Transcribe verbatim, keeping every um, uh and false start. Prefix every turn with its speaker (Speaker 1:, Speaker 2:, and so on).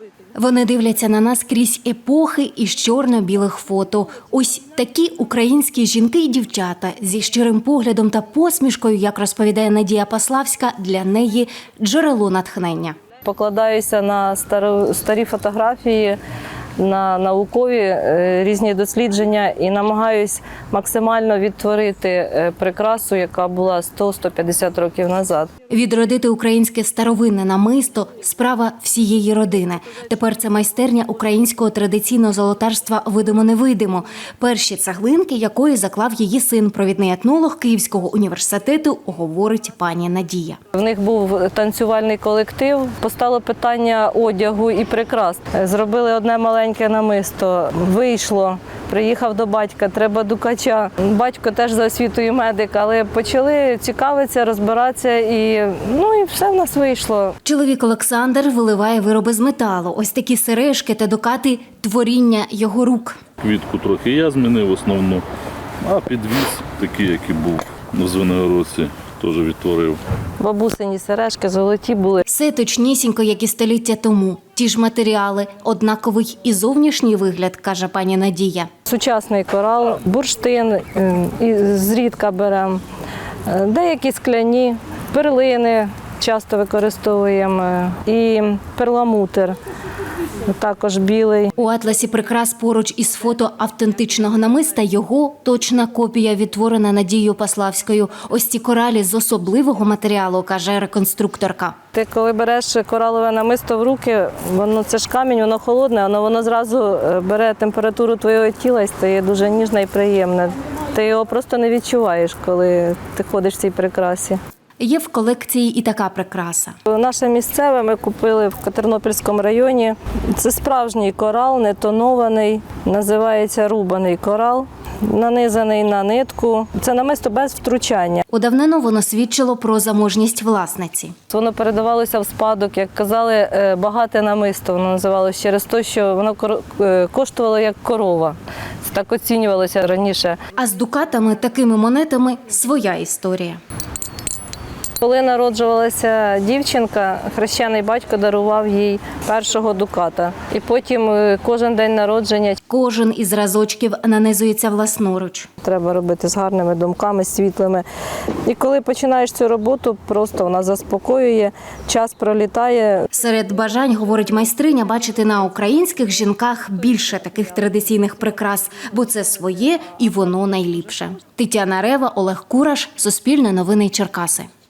Speaker 1: Вони дивляться на нас крізь епохи із чорно-білих фото. Ось такі українські жінки і дівчата зі щирим поглядом та посмішкою, як розповідає Надія Паславська, для неї джерело натхнення.
Speaker 2: Покладаюся на старі фотографії, на наукові різні дослідження і намагаюсь максимально відтворити прикрасу, яка була сто - сто п'ятдесят років назад.
Speaker 1: Відродити українське старовинне намисто – справа всієї родини. Тепер це майстерня українського традиційного золотарства «Видимо-невидимо», перші цеглинки якої заклав її син, провідний етнолог Київського університету, говорить пані Надія.
Speaker 2: В них був танцювальний колектив, постало питання одягу і прикрас. Зробили одне маленьке намисто, вийшло, приїхав до батька, треба дукача. Батько теж за освітою медик, але почали цікавитися, розбиратися і, ну, і все в нас вийшло.
Speaker 1: Чоловік Олександр виливає вироби з металу. Ось такі сережки та дукати – творіння його рук.
Speaker 3: Квітку трохи я змінив основну, а підвіз такий, який був в Звенигородці, теж відтворив.
Speaker 2: Бабусині сережки золоті були.
Speaker 1: Все точнісінько, як і століття тому. Ті ж матеріали, однаковий і зовнішній вигляд, каже пані Надія.
Speaker 2: Сучасний корал, бурштин, і зрідка беремо, деякі скляні, перлини часто використовуємо і перламутр. Також білий.
Speaker 1: У атласі прикрас поруч із фото автентичного намиста його точна копія, відтворена Надією Паславською. Ось ці коралі з особливого матеріалу, каже реконструкторка.
Speaker 2: Ти коли береш коралове намисто в руки, воно це ж камінь, воно холодне, але воно зразу бере температуру твого тіла і стає дуже ніжне і приємне. Ти його просто не відчуваєш, коли ти ходиш в цій прикрасі.
Speaker 1: Є в колекції і така прикраса.
Speaker 2: Наше місцеве ми купили в Тернопільському районі. Це справжній корал, не тонований, називається рубаний корал, нанизаний на нитку. Це намисто без втручання.
Speaker 1: У давнину воно свідчило про заможність власниці.
Speaker 2: Воно передавалося в спадок, як казали, багате намисто воно називалося через те, що воно коштувало як корова. Це так оцінювалося раніше.
Speaker 1: А з дукатами, такими монетами, своя історія.
Speaker 2: Коли народжувалася дівчинка, хрещений батько дарував їй першого дуката. І потім кожен день народження.
Speaker 1: Кожен із разочків нанизується власноруч.
Speaker 2: Треба робити з гарними думками, світлими. І коли починаєш цю роботу, просто вона заспокоює, час пролітає.
Speaker 1: Серед бажань, говорить майстриня, бачити на українських жінках більше таких традиційних прикрас, бо це своє і воно найліпше. Тетяна Рева, Олег Кураш, Суспільне новини Черкаси.